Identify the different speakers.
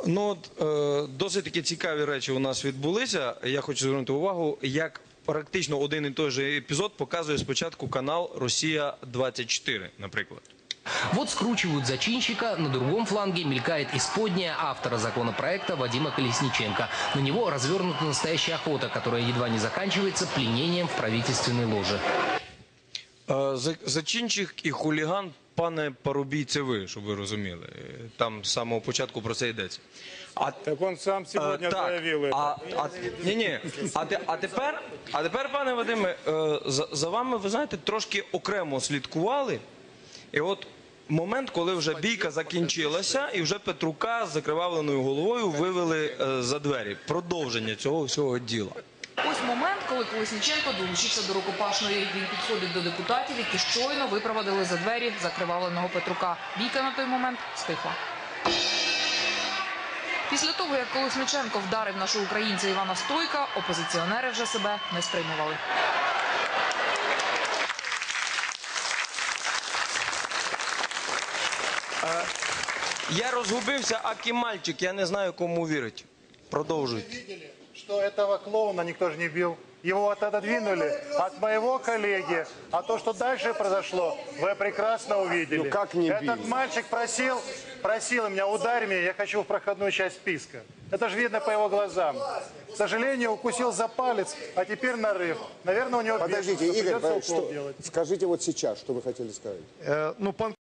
Speaker 1: Ну, досить таки цікаві речі у нас відбулися. Я хочу звернути увагу, як практично один і той же епізод показує спочатку канал «Россия-24», наприклад.
Speaker 2: Вот скручивают зачинщика, на другом фланге мелькает исподняя автора законопроекта Вадима Колесниченко. На него развернута настоящая охота, которая едва не заканчивается пленением в правительственной ложе.
Speaker 1: Зачинщик і хуліган, пане Парубій, це ви, щоб ви розуміли. Там з самого початку про це йдеться.
Speaker 3: Так он сам сьогодні заявив це.
Speaker 1: А тепер, пане Вадиме, за вами, ви знаєте, трошки окремо слідкували. І от момент, коли вже бійка закінчилася, і вже Петрука з закривавленою головою вивели за двері. Продовження цього всього діла.
Speaker 4: Ось момент, коли Колесніченко долучився до рукопашної. Він підходить до депутатів, які щойно випровадили за двері закривавленого Петрука. Бійка на той момент стихла. Після того, як Колесніченко вдарив нашого українця Івана Стойка, опозиціонери вже себе не стримували.
Speaker 1: Я розгубився, акі мальчик, я не знаю, кому вірить. Продовжуйте.
Speaker 3: Что этого клоуна никто же не бил. Его отодвинули от моего коллеги. А то, что дальше произошло, вы прекрасно увидели.
Speaker 5: Ну как не бил?
Speaker 3: Этот мальчик просил меня, ударь меня, я хочу в проходную часть списка. Это же видно по его глазам. К сожалению, укусил за палец, а теперь нарыв. Наверное, у него...
Speaker 5: Подождите,
Speaker 3: бешенство,
Speaker 5: Игорь,
Speaker 3: придется укол делать.
Speaker 5: скажите вот сейчас, что вы хотели сказать.